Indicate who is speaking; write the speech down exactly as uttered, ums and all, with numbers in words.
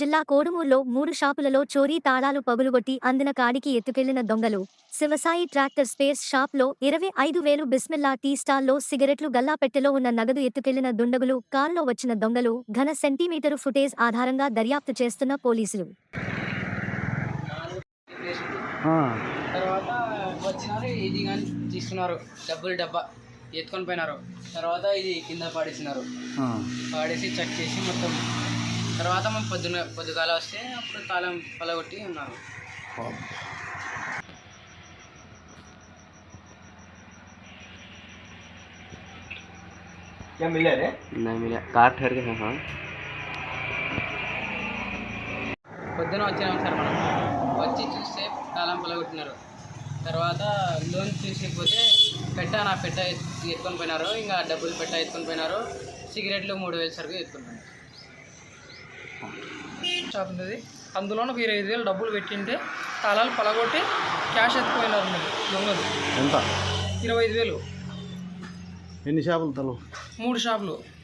Speaker 1: జిల్లా కోడుమూరులో మూడు షాపులలో చోరీ తాళాలు పగులుగొట్టి అందిన కాడికి ఎత్తుకెళ్లిన దొంగలు. శివసాయి ట్రాక్టర్ స్పేస్ షాప్లో ఇరవై ఐదు వేలు బిస్మిల్లా టీ స్టాల్లో సిగరెట్లు గల్లాపెట్టెలో ఉన్న నగదు ఎత్తుకెళ్లిన దుండగులు. కారులో వచ్చిన దొంగలు. ఘన సెంటీమీటరు ఫుటేజ్ ఆధారంగా దర్యాప్తు చేస్తున్న పోలీసులు.
Speaker 2: తర్వాత వచ్చినారు, ఇది కానీ తీసుకున్నారు, డబ్బులు డబ్బా ఎత్తుకొని పోయినారు. తర్వాత ఇది కింద పాడేసినారు, పాడేసి చెక్ చేసి మొత్తం. తర్వాత మేము పొద్దున పొద్దుగాల వస్తే అప్పుడు తాళం పలగొట్టి ఉన్నారు.
Speaker 3: क्या मिला रे?
Speaker 4: नहीं मिला, कार ठहर के हाँ
Speaker 2: పొద్దున వచ్చినాం సార్. మనం వచ్చి చూస్తే తాళం పలగొట్టినారు. తర్వాత లోన్ తీసుకుపోతే పెట్ట నా పెట్ట ఎత్తుకొని పోయినారు. ఇంకా డబ్బులు పెట్ట ఎత్తుకొని పోయినారు. సిగరెట్లు మూడు వేలు సరుకు ఎత్తుకొని పోయినారు.
Speaker 5: షాప్ ఉంది, అందులో ఒక ఇరవై ఐదు వేలు డబ్బులు పెట్టింటే తాళాలు పలగొట్టి క్యాష్ ఎత్తుకుపోయినారు దొంగలు.
Speaker 3: ఎంత?
Speaker 5: ఇరవై ఐదు వేలు.
Speaker 3: ఎన్ని షాపులు తలు?
Speaker 5: మూడు షాపులు.